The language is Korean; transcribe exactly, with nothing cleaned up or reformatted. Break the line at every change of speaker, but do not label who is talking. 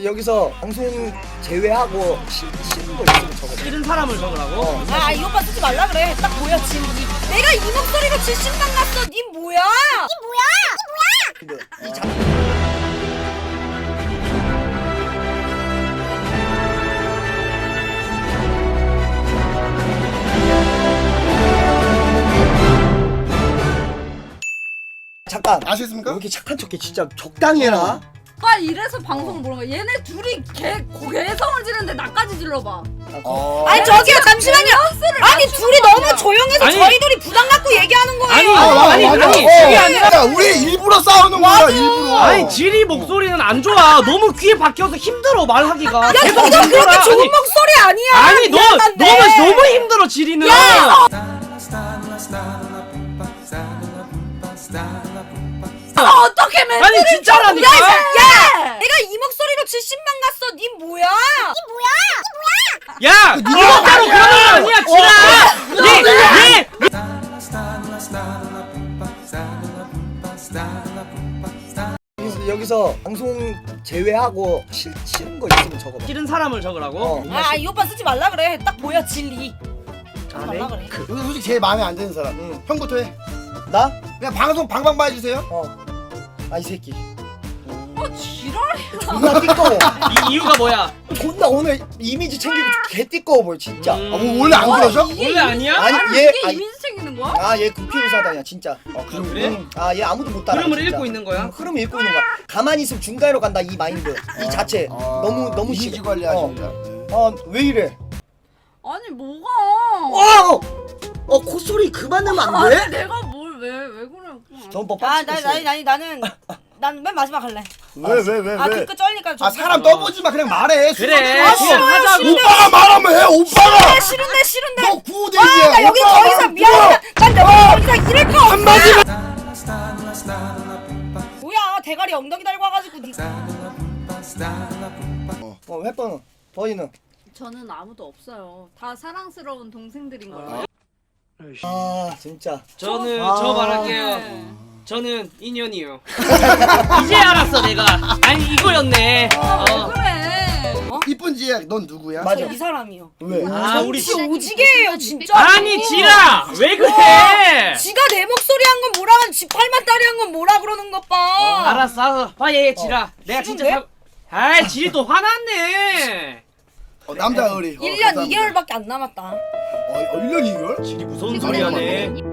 여기서 방송 제외하고 시, 싫은 거 있으면 적어.
싫은 사람을 적으라고? 어.
아, 이 오빠 쓰지 말라 그래. 딱 보여, 지금. 이, 내가 이 목소리로 칠십만 갔어. 니 뭐야? 니 뭐야? 니 뭐야?
근데 이 자... 잠깐.
아시겠습니까?
왜 이렇게 착한 척해? 진짜 적당히 해라.
아 이래서 방송을 보는 거야. 얘네 둘이 개 개성을 지르는데 나까지 질러봐.
어.
아니, 저기요, 잠시만요. 아니, 둘이 너무 조용해서
아니.
저희들이 부담 갖고 얘기하는 거예요.
아니,
아,
아니,
맞아.
아니,
어.
그게 아니라.
야, 우리 일부러 싸우는 거야, 일부러.
아니, 지리 목소리는 안 좋아. 너무 귀에 박혀서 힘들어, 말하기가.
야,
계속
너도 그렇게
힘들어.
좋은
아니,
목소리 아니야.
아니, 너,
미안한데.
너는 너무 힘들어, 지리는.
야! 아, 어떻게 멘트를
아니, 진짜라니까?
야, 야! 내가 이 목소리로 칠십만 갔어. 니 뭐야? 니 뭐야?
야! 이거대로 그런 거 아니야, 지라! 얘, 얘!
여기서, 여기서 방송 제외하고 시, 싫은 거 있으면 적어.
싫은 사람을 적으라고?
어.
아, 이 오빠 쓰지 말라 그래. 딱 보여, 진리.
아,
말라 그래.
여기 솔직히 제일 마음에 안 드는 사람.
응.
형부터 해.
나?
그냥 방송 방방바 해주세요.
어. 아, 이 새끼.
아 지랄이야.
존나 띠꺼워.
이 이유가 뭐야?
존나 오늘 이미지 챙기고 개 띠꺼워 보여 진짜.
음.
아, 뭐 원래 안 그러셔?
원래 아니야?
아니,
아니
얘-
이게
아니.
이미지 챙기는 거야?
아, 얘 국회의사다야 진짜.
어, 그럼
그래?
응. 아, 얘 아무도 못 따라.
흐름을
진짜.
읽고 있는 거야?
응, 흐름을 읽고 있는 거야. 가만히 있으면 중간으로 간다 이 마인드. 이 자체.
아,
너무 너무
이미지
심해.
관리하신다.
어, 어, 왜 이래?
아니 뭐가?
와! 어, 콧소리 그만 내면 안 돼?
아니 내가 뭘 왜 왜 그래?
전법
아,
빡치겠어.
나, 나, 나, 나는 난 맨 마지막 할래.
왜 왜 왜
아,
왜?
뒤끝 쩔니까 좀.
아 사람 떠보지 마, 그냥 말해.
그래,
아,
지금
싫어요,
하자고.
싫은데.
오빠가 말하면 해. 오빠가.
싫은데, 싫은데.
너 구대기야.
아, 나 여기 더 이상 미안해. 난 내가 더 이상 이럴 거 없어.
한마디만.
뭐야, 대가리 엉덩이 달고 와가지고 니.
어, 햇번은 버이는.
저는 아무도 없어요. 다 사랑스러운 동생들인 거예요.
아, 진짜.
저는
아.
저 말할게요.
네.
저는 인연이요. 이제 알았어 내가. 아니 이거였네.
아, 왜
어.
그래?
이쁜 지혜야, 넌 누구야?
맞아.
이 사람이요.
왜?
아 우리 씨.
진짜 오지게예요, 진짜.
아니 지라 왜 그래?
지가 내 목소리 한 건 뭐라 하면 지 팔만 딸이 한 건 뭐라 그러는 것 봐.
알았어 알았어. 아예 지라. 내가 진짜
싫은데?
사... 아이 지리 또 화났네.
어, 남자 의리. 어,
일 년
감사합니다.
이 개월밖에 안 남았다.
어, 어, 일 년 이 개월?
지리 무서운 소리 하네.